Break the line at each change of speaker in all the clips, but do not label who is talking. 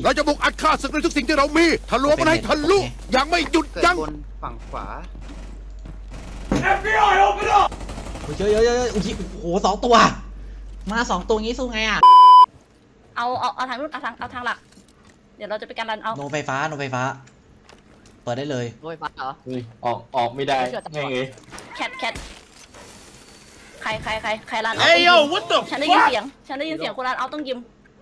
เราจะบุกอัดฆ่าศึกในทุกสิ่งที่เรามีทะลวงมันให้ทะลุยังไม่หยุดยั้ง
บนฝั่งขวา
FBI open up
เยอะโอ้โห2 ตัวมา2 ตัวงี้สู้ไงอ่ะ
เอาทางนู้นเอาทางหลักเดี๋ยวเราจะไปการรันเอา
โนไฟฟ้าเปิดได้เลย
โดยฟ้าเหรอ
ออกไม่ได้ไง
แคทใครรันเอา
เอ้ยโย่ what the
ฉันได้ยินเสียงคนรันเอาต้องยิม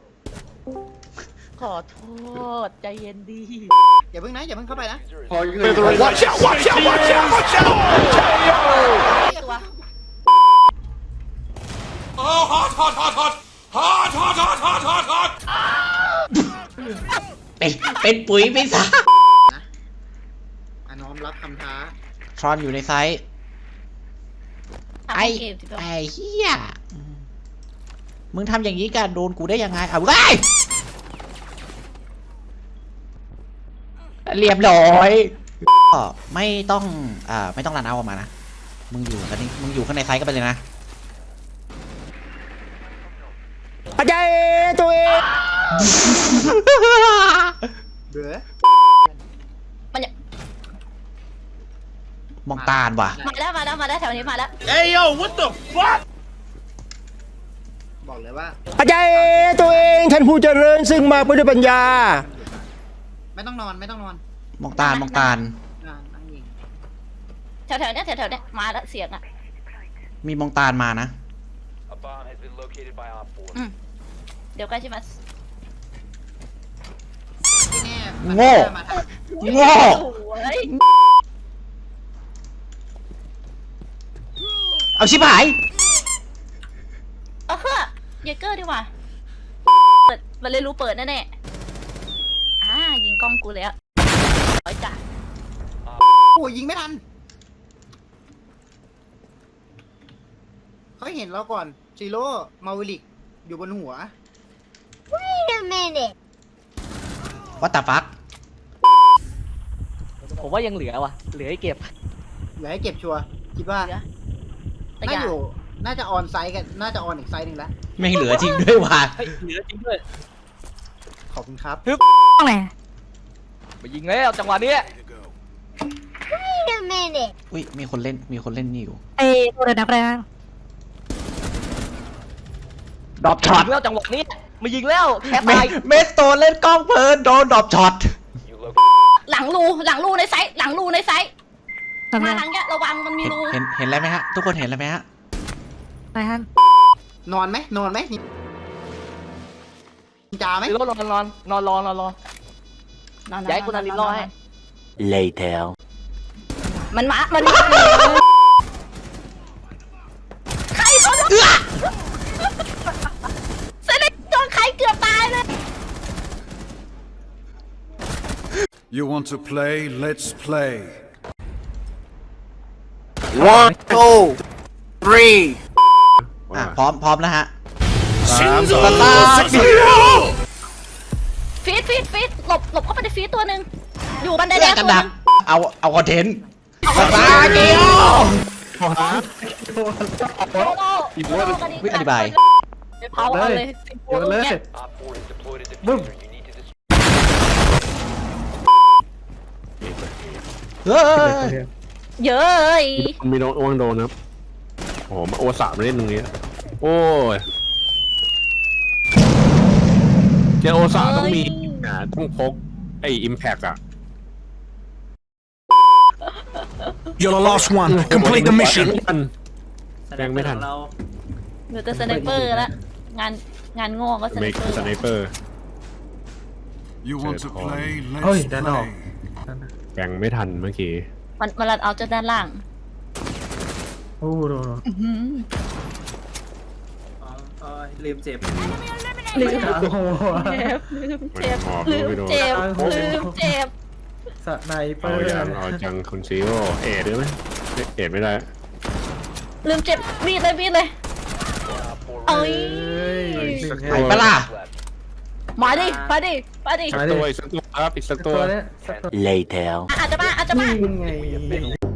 ขอโทษใจเย็นดี
อย่าเพิ่งเข้าไปนะ
พออยู่
watch out watch out watch out watch out
ตัว
เป็นปุ๋ยไปซะ
น้อมรับคำท้า
ทรอนอยู่ในไซส์ ไอ้เหี้ยมึงทำอย่างนี้กันโดนกูได้ยังไงเอาได้เรียบร้อยก็ไม่ต้องรันเอาออกมานะมึงอยู่ข้างในไซส์ก็ไปเลยนะ
อาจารย์ตัวเองเดือ
มองตาลว่ะ
มาแล้วแถวนี้มาแล้ว
เอ้ยโย่ what the fuck
บอกเลยว่า
อาจารย์ตัวเองท่านผู้เจริญซึ่งมาเพื่อด้วยปัญญา
ไม่ต้องนอน
มองตาล
นั่งยิง
แถวเนี้ยมาแล้วเสียงอ่ะ
มีมองตาลมานะ
เดี๋ยวใกล้ใช่ไหม
ที่แน่
โง่
มาทาง
โง่
เฮ้ย
เอาชิบหาย
เฮ้ยเยเกอร์ดีกว่ามันเลยรู้เปิดแน่ยิงกล้องกูแล้วร้อยจ้ะ
โอ้ยิงไม่ทันเขาเห็นเราก่อนซีโร่มาวิลิกอยู่บนหัว
What the fuck
ผมว่ายังเหลือว่ะเหลือให้เก็บ
อย่าให้เก็บชัวร์คิดว่า
แต่อย่า
น่าจะออนไซต์กันน่าจะออนอีกไซต์หนึ่งแล้ว
ไม่เหลือจริงด้วยว่ะ
เฮ้ยเหลือจริงด้วย
ขอบคุณครับ
ไปยิงแล้วจังหวะนี้
อุ้ยมีคนเล่นนี่อยู่
ตัวเดินนักแรง
ดรอปช็อต
ยิงแล้วจังหวะนี้มายิงแล้วแค่ตาย
เมสโตเล่นกล้องเพลินโดนดรอปช็อต
หลังรูในไซส์มาทางเนี้ยระวังมันมีรู
เห็นอะไรไหมฮะทุกคนเห็นอะไรไหมฮะ
นอนไหมนี่จ่าไหม
รอนย้ายคุณอารินรอให้
later
มันใครเขาโดนเซเลนโดนใครเกือบตายเลย
you want to play let's play
1 2 3
พร้อมแล้วฮะ
3
สตาร์ท
ฟีดหลบเข้าไปในฟีดตัวหนึ่งอยู่บันไดแด
เลือก
ง
กัน
ตัว
ดักเอาคอนเทนต์สตาร์เกียว วิอธิบาย
เผาเอาเลยบึ้ม
เฮ้ย
เยอะ
มีโดนอ้วงโดนครับโอ้โหมาโอสามมาเล่นตรงนี้โอ้ยเจอโอสาต้องมีต้องพกไอ้อิมแพคอะ
You're the last one complete the mission
แรงไม่ทัน
เหลือแต่สไนเปอร์แล้วงานโง่ก็สไน
เมก
เปอร์
สไนเปอร์
you want to play
เฮ้ย
let's
ด้านนอก
play
แรงไม่ทันเมื่อกี้
มันรัดเอาจากด้านล่าง
โอ้โห
ลืมเจ็บ
ลืม
โอ้โห
เจ็บ
สไนเปอ
เอา
ร์
จังคุณซีโร่เอ็ดได้ไหมเอ็ดไม่ได้
ลืมเจ็บบีดเลยเอ้ย
ไปปะล่ะ
มาดิ
อีกสักตัวครับอีกสักตัว
เนี้ย
later
อาจจะมา
นี่ไง